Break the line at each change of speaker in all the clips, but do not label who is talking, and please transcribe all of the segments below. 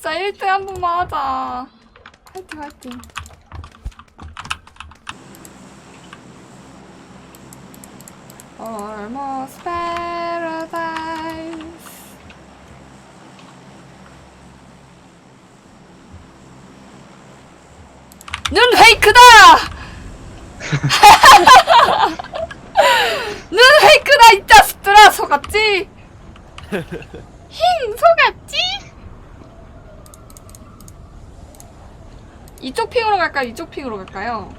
진짜 1등 한 번만 하자. 화이팅 화이팅. Almost paradise. 눈 페이크다! 눈 페이크다 이 자식들아. 속았지? 힝 속았지? 이쪽 핑으로 갈까요? 이쪽 핑으로 갈까요?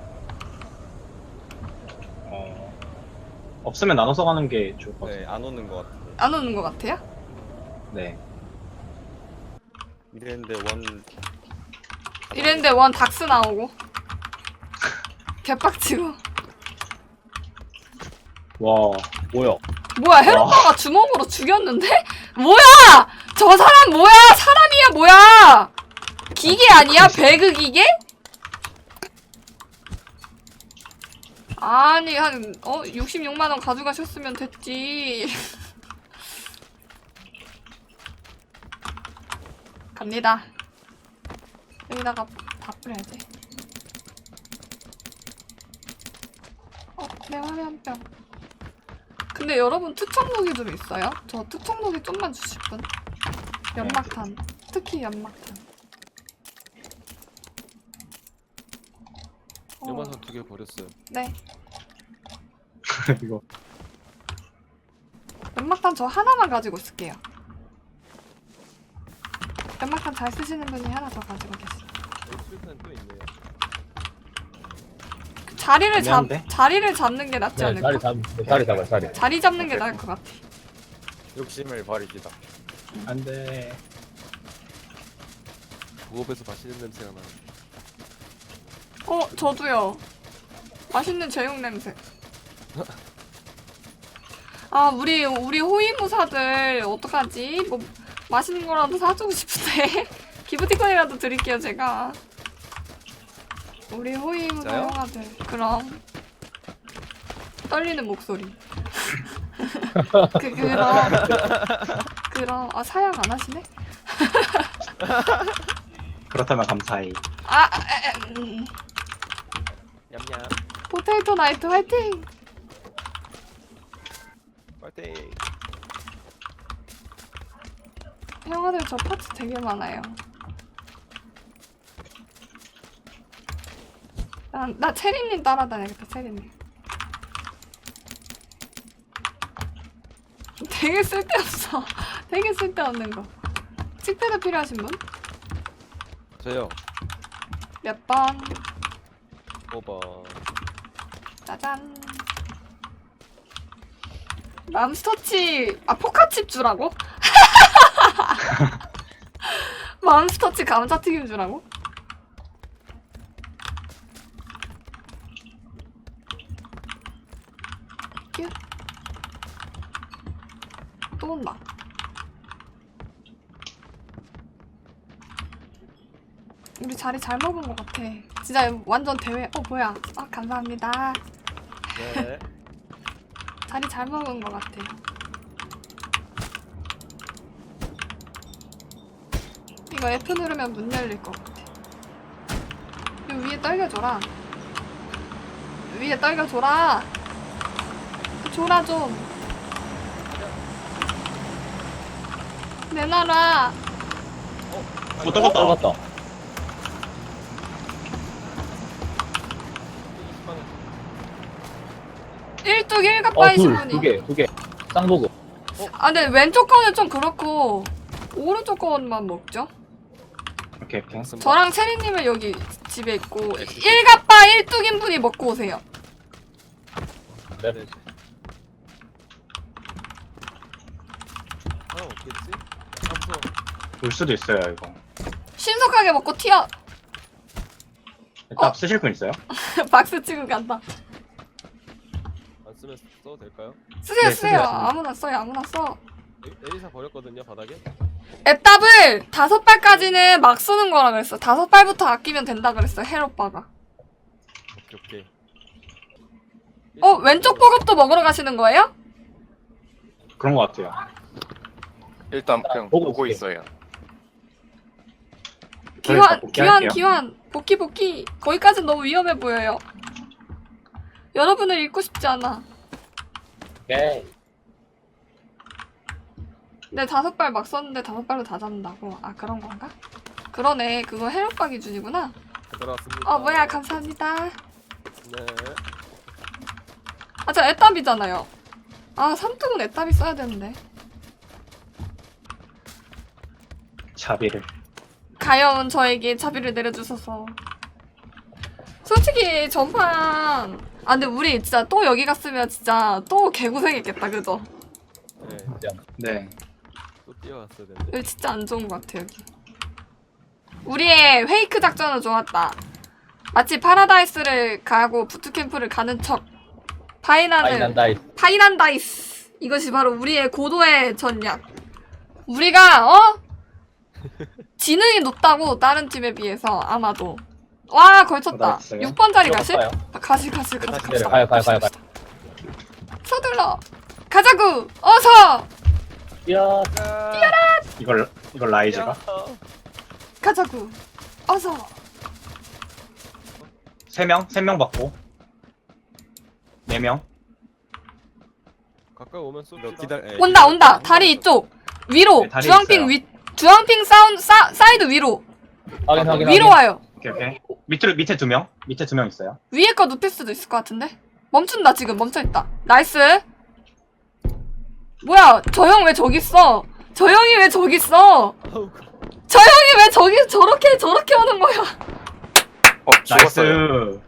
없으면 나눠서 가는 게 좋을 것 같아요.
네, 안 오는 것 같은데.
안 오는 것 같아요?
네.
이랬는데 원 닥스 나오고 개빡치고.
와, 뭐야?
뭐야 헤로파가 주먹으로 죽였는데? 뭐야! 저 사람 뭐야! 사람이야 뭐야! 기계 아니야? 배그 기계? 아니 한 66만원 가져가셨으면 됐지. 갑니다. 여기다가 다 뿌려야지. 내 화면병. 근데 여러분 특성무기 좀 있어요? 저 특성무기 좀만 주실 분? 연막탄. 특히 연막탄.
연마선 2개 버렸어요.
네.
이거.
연막탄 저 하나만 가지고 있을게요. 연막탄 잘 쓰시는 분이 하나 더 가지고 계세요.
수류탄 또 있네요.
자리를 잡는 게 낫지 않을까?
자리 잡아, 자리.
자리 잡는 게 나을 것 같아.
욕심을 버리기다.
안 돼.
부업에서 맛있는 냄새가 나.
저도요. 맛있는 제육 냄새. 아, 우리 호위무사들 어떡하지? 뭐 맛있는 거라도 사주고 싶은데. 기프티콘이라도 드릴게요, 제가. 우리 호위무사
진짜요?
형아들. 그럼. 떨리는 목소리. 그럼. 아, 사양 안 하시네?
그렇다면 감사히.
냠냠.
포테이토 나이트 화이팅!
파이팅.
형아들 저 파츠 되게 많아요. 나 체리님 따라다녀야겠다, 체리님. 되게 쓸데없어. 되게 쓸데없는 거. 칙패드 필요하신 분?
저요.
몇 번?
5번.
짜잔. 맘스터치, 포카칩 주라고? 맘스터치 감자튀김 주라고? 큐. 또 온다. 우리 자리 잘 먹은 것 같아. 진짜 완전 대회. 뭐야. 감사합니다.
네.
자리 잘 먹은 것 같아. 이거 F 누르면 문 열릴 것 같아. 이거 위에 떨겨줘라. 위에 떨겨줘라. 줘라 좀. 내놔라.
떨궜다.
일뚝 일갑바이신 분이.
두 개. 쌍보급.
근데 왼쪽 거는 좀 그렇고 오른쪽 거만 먹죠?
오케이.
저랑 체리님은 여기 집에 있고 일갑바 일뚝인 분이 먹고 오세요.
네.
없겠지? 무서워.
올 수도 있어요, 이거.
신속하게 먹고 튀어.
일단 쓰실 분 있어요?
박스 치고 간다.
안 쓰면 써도 될까요?
쓰세요.
네, 쓰세요.
아무나 써요. 아무나 써.
에리사 버렸거든요, 바닥에.
앱답을 5발까지는 막 쓰는 거라 그랬어. 5발부터 아끼면 된다 그랬어. 헬오빠가.
오케이.
왼쪽 보급도 먹으러 가시는 거예요?
그런 것 같아요.
일단 그냥
보고
보고
있어요.
있어요.
기환
복귀할게요.
기환 복귀 거기까진 너무 위험해 보여요. 여러분을 잃고 싶지 않아.
오케이.
근데 5발 막 썼는데 5발로 다 잡는다고. 아 그런 건가? 그러네. 그거 해력박 기준이구나.
들어왔습니다.
뭐야 감사합니다.
네.
아 저 애답이잖아요. 아 삼뚝은 애답이 써야 되는데.
자비를.
가여운 저에게 자비를 내려주셔서. 솔직히 전판 근데 우리 진짜 또 여기 갔으면 진짜 또 개고생했겠다 그죠?
네.
네.
또 뛰어갔어야 되는데.
여기 진짜 안 좋은 것 같아 여기. 우리의 페이크 작전은 좋았다. 마치 파라다이스를 가고 부트캠프를 가는 척. 파이난다이스. 이것이 바로 우리의 고도의 전략. 우리가 지능이 높다고 다른 팀에 비해서 아마도. 와 걸쳤다.
나이스요.
6번짜리 가실?
들어갔어요.
가시.
다시
내려. 가요.
서둘러. 가자구. 어서.
뛰어라.
이걸 라이즈가.
가자구. 어서.
3명 받고. 4명.
가까이 오면 쏘.
온다. 다리 이쪽. 위로.
네, 다리
주황핑
있어요.
주황핑 사이드 위로.
확인.
위로 와요.
오케이. 밑에 2명. 밑에 2명 있어요.
위에 거 눕힐 수도 있을 것 같은데? 멈춘다 지금 멈춰있다. 나이스. 뭐야 저 형 왜 저기 있어? 저 형이 왜 저기 있어? 저 형이 왜 저기 저렇게 오는 거야?
나이스.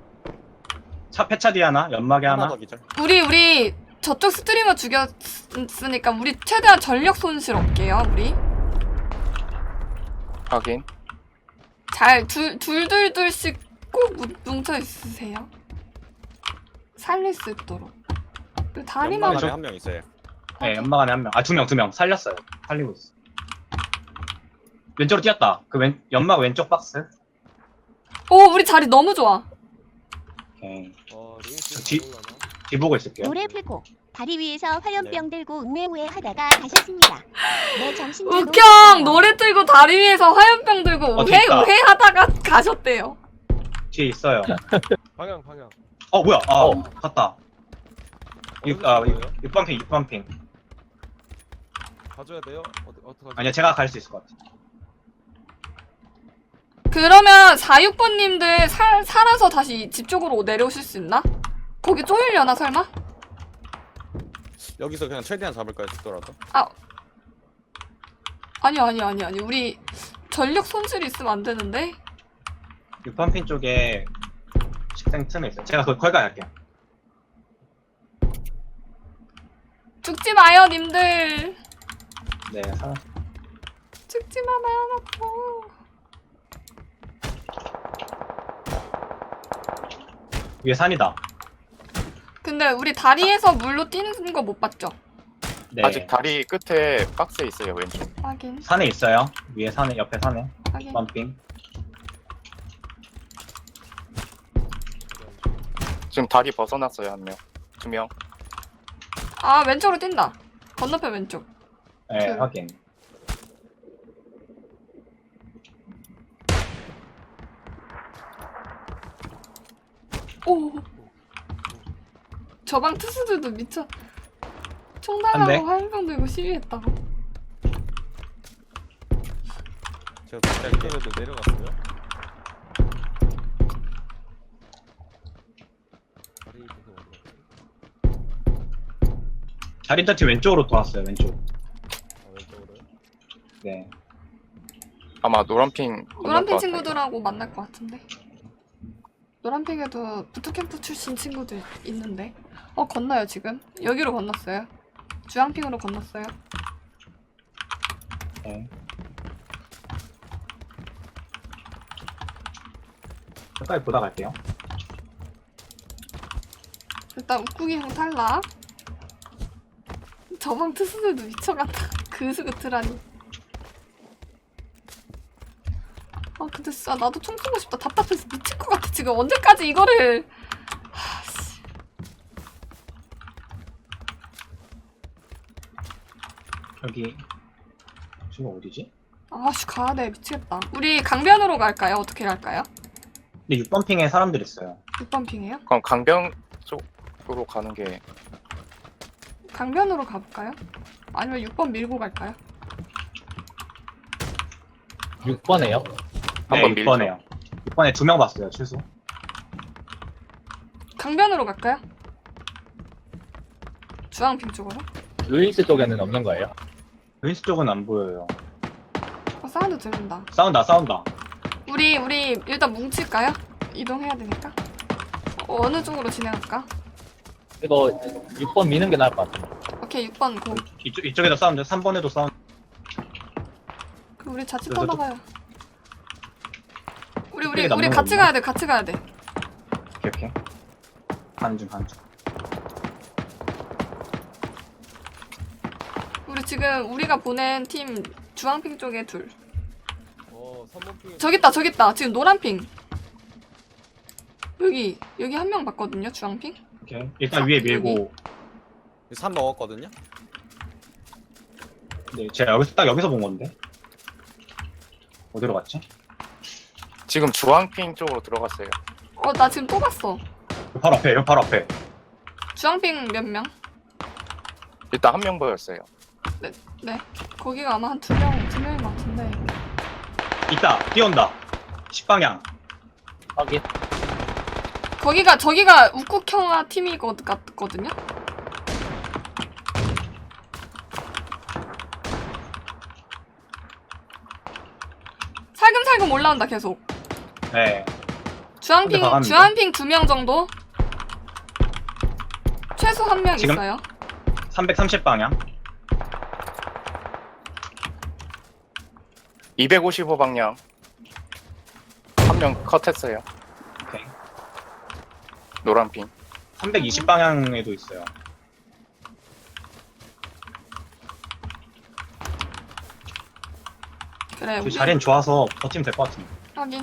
폐차 뒤 하나. 연막에 하나.
우리 저쪽 스트리머 죽였으니까 우리 최대한 전력 손실 없게요 우리.
확인.
잘 둘씩 꼭 뭉쳐 있으세요. 살릴 수 있도록. 그리고 다리만
연막에
한명 있어요.
네, 연막 안에 1명. 2명 살렸어요. 살리고 있어. 왼쪽으로 뛰었다. 연막 왼쪽 박스.
오 우리 자리 너무 좋아.
오케이.
링스
뒤-
올라나?
뒤보고 있을게요.
노래 풀고 다리 위에서 화염병
네.
들고 우회우회 하다가 가셨습니다. 내 정신도
우경 노래 틀고 다리 위에서 화염병 들고
뒤에 있다.
우회하다가 가셨대요.
뒤에 있어요.
방향.
뭐야?
어.
갔다.
어디서 거예요?
6번 핑.
가져야 돼요? 어떡하지?
아니야, 제가 갈 수 있을 것 같아.
그러면 46번님들 살아서 다시 집 쪽으로 내려오실 수 있나? 거기 쪼이려나 설마?
여기서 그냥 최대한 잡을까요, 죽더라도?
아니 우리 전력 손실이 있으면 안 되는데.
6번 핑 쪽에 식생 틈에 있어요. 제가 거기 갈게요.
죽지 마요 님들.
네, 살았어.
죽지 마 마요.
위에 산이다.
근데 우리 다리에서 물로 뛰는 거 못 봤죠?
네.
아직 다리 끝에 박스에 있어요, 왼쪽.
확인.
산에 있어요. 위에 산에, 옆에 산에.
확인.
6번 핑.
지금 다리 벗어났어요, 한 명. 2명.
아 왼쪽으로 뛴다. 건너편 왼쪽.
네,
그-
확인.
오. 저방 투수들도 미쳐. 총
안 돼?
달라고 화염병 들고 시위했다고.
제가 그때도 내려갔어요. 다리 계속 어디 갔지?
자린터치 왼쪽으로 돌았어요, 왼쪽.
왼쪽으로요?
네.
아마 노란핑 건널 것
노란핑
같아요.
친구들하고 만날 것 같은데. 노란핑에도 부트캠프 출신 친구들 있는데. 건너요 지금. 여기로 건넜어요. 주황핑으로 건넜어요.
네. 끝까지 보다 갈게요.
일단 웃구기 형 탈락. 저방 투수들도 미쳐간다. 그스그트라니. 근데 진짜 나도 총 쏘고 싶다. 답답해서 미칠 것 같아. 지금 언제까지 이거를. 씨.
여기. 지금 어디지?
아씨 가야돼 미치겠다. 우리 강변으로 갈까요? 어떻게 갈까요?
근데 6번 핑에 사람들 있어요.
6번 핑이에요?
그럼 강병 쪽으로 가는 게
강변으로 가볼까요? 아니면 6번 밀고 갈까요?
6번에요?
네,
한번 밀죠.
6번에요. 6번에 2명 봤어요, 최소.
강변으로 갈까요? 주황핑 쪽으로?
루이스 쪽에는 없는 거예요?
윈스 쪽은 안 보여요.
사운드 들린다.
싸운다.
우리 일단 뭉칠까요? 이동해야 되니까. 어느 쪽으로 진행할까?
이거 6번 미는 게 나을 것 같아요.
오케이 6번 고.
이쪽에도 싸운데 3번에도 싸운.
그럼 우리 자칫
그래서
떠나가요. 우리
이쪽에 남는
같이
거구나.
가야 돼. 같이 가야 돼.
오케이. 가는 중.
우리 지금 우리가 보낸 팀 주황핑 쪽에 둘.
3번 핑.
저기 있다. 지금 노란핑. 여기 한 명 봤거든요. 주황핑.
오케이. 일단 위에 밀고.
3 먹었거든요?
네, 제가 여기서 본 건데. 어디로 갔지?
지금 주황핑 쪽으로 들어갔어요.
나 지금 또 봤어.
바로 앞에.
주황핑 몇 명?
일단 한 명 보였어요.
네. 거기가 아마 한 두 명인 것 같은데.
있다. 뛰어온다. 10방향.
확인.
저기가 우쿡형아 팀이 같거든요? 살금살금 올라온다 계속.
네.
주황핑
가갑니다.
주황핑 2명 정도? 최소 한 명
지금?
있어요.
330방향.
255방향. 한 명 컷했어요.
오케이.
노란핑.
320방향에도 있어요.
그래.
그 자리는 좋아서 버티면 될 것 같은데.
확인.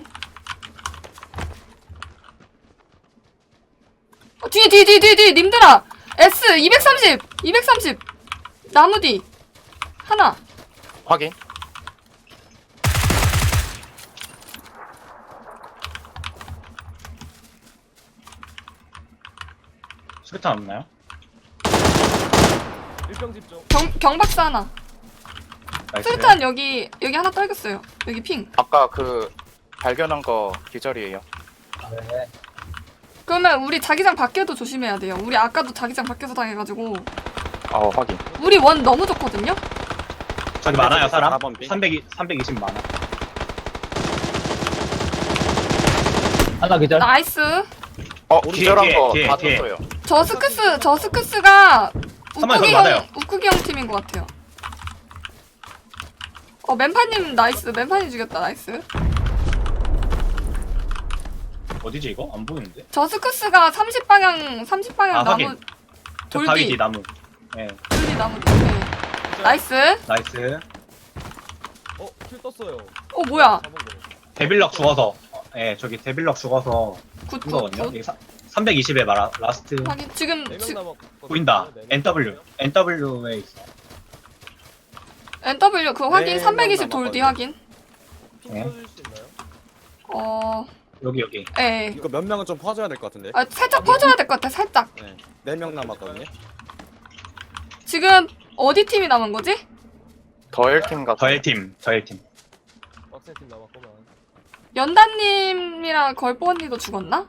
뒤 님들아. S 230 나무 뒤 하나.
확인.
수류탄 없나요?
1병 집중.
경박사 하나.
나이스.
수류탄 여기 하나 떨궜어요. 여기 핑.
아까 그 발견한 거 기절이에요.
네.
그러면 우리 자기장 밖에도 조심해야 돼요. 우리 아까도 자기장 밖에서 당해가지고
확인.
우리 원 너무 좋거든요.
저기 많아요, 사람.
4번 빙.
320 많아.
하나 기절.
나이스.
기절한
뒤에,
거
뒤에,
다
뒤에.
떴어요.
저 스크스가
한번 더 맞아요.
우쿠기 형 팀인 것 같아요. 맨파님 나이스. 맨파님 죽였다. 나이스.
어디지 이거? 안 보이는데?
저 스크스가 30방향 나무
확인. 저 바위 뒤
돌뒤
나무. 네,
나무 뒤. 네. 나이스.
나이스.
킬 떴어요.
뭐야?
4번 거.
데빌럭 죽어서. 저기 데빌럭 죽어서 쓴 거거든요.
굿.
여기 320에 라스트.
확인. 지금
4명 남았거든요.
보인다.
네 명.
NW에 있어.
NW 그 확인.
네,
320 돌뒤
남았거든요.
확인.
핑
네.
켜줄 수 있나요?
여기.
예.
이거 몇 명은 좀 퍼줘야 될 것 같은데?
살짝 퍼줘야 될 것 같아. 살짝.
네. 4명 남았거든요?
지금 어디 팀이 남은 거지?
더일팀 같은.
저의 팀.
빡센팀 남았구만.
연다님이랑 걸보 언니도 죽었나?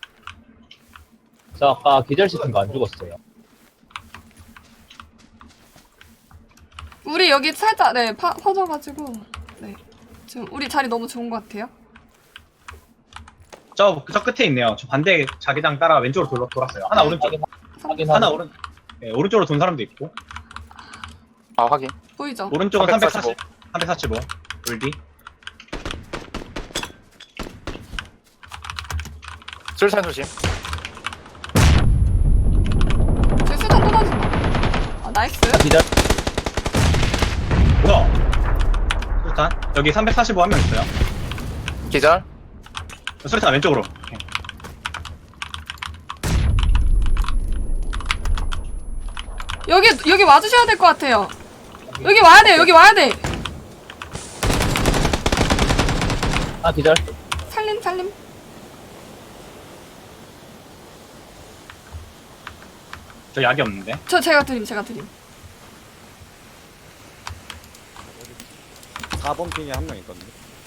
저 아까 기절시킨 거 안 죽었어요.
우리 여기 살짝 퍼져가지고 네 지금 우리 자리 너무 좋은 것 같아요.
저 끝에 있네요. 저 반대 자기장 따라 왼쪽으로 돌았어요. 하나 오른쪽.
확인.
하나 오른쪽으로 돈 사람도 있고.
확인.
보이죠?
오른쪽은
345.
345. 돌디.
술산 조심.
제 수단 또 던진다. 나이스.
기절.
뭐야? 수류탄? 여기 345 한 명 있어요.
기절.
수류탄 왼쪽으로. 오케이.
여기 와주셔야 될 것 같아요. 여기 와야 돼.
하나 기절.
살림.
저 약이 없는데.
제가 드림.
4번 핑에 한 명 있거든요.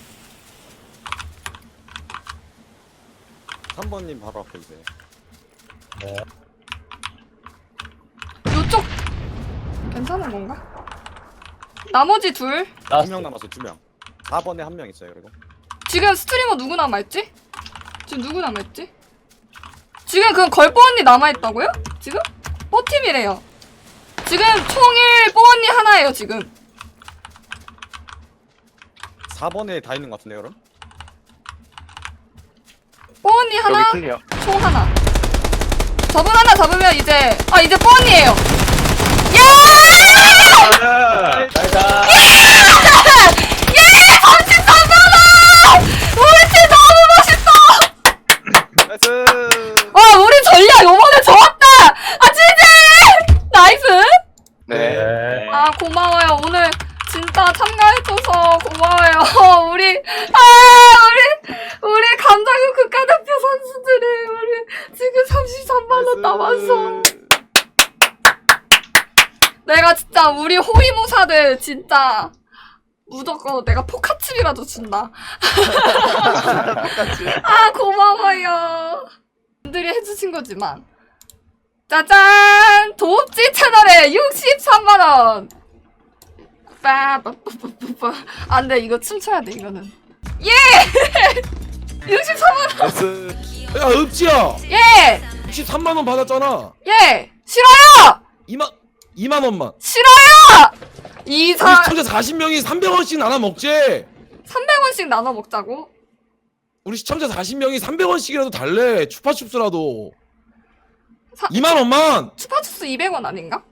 3번님 바로 앞에 있어요.
네.
요쪽 괜찮은 건가? 나머지 둘
2명 남았어, 2명. 4번에 한 명 있어요, 그리고.
지금 스트리머 누구 남아있지? 지금 누구 남아있지? 지금 그 걸뽀 언니 남아있다고요? 지금? 뽀팀이래요. 지금 총일 뽀 언니 하나예요 지금.
4번에 다 있는 것 같은데, 그럼?
뽀 언니 하나,
여기 클리어.
총 하나. 저분 하나 잡으면 이제 이제 뽀 언니예요. 야!
나이스.
우리 팀 너무 멋있어!
나이스!
와 우리 전략 요번에 좋았다! 지지! 나이스!
네.
네.
아 고마워요. 오늘 진짜 참가해줘서 고마워요. 우리 감자국 국가대표 선수들이 우리 지금 33만원 남았어. 내가 진짜 우리 호위무사들 진짜 무조건 내가 포카칩이라도 준다. 아 고마워요. 분들이 해주신 거지만 짜잔! 도읍지 채널에 63만원! 빠빠빠빠빠. 안 돼, 이거 춤춰야 돼, 이거는. 예! 63만원!
나이스. 야, 읍지야.
예!
63만원 받았잖아.
예! 싫어요!
2만원만.
싫어요!
우리
이사
시청자 40명이 300원씩 나눠 먹지.
300원씩 나눠 먹자고?
우리 시청자 40명이 300원씩이라도 달래. 추파춥스라도.
2
2만원만.
추파춥스 200원 아닌가?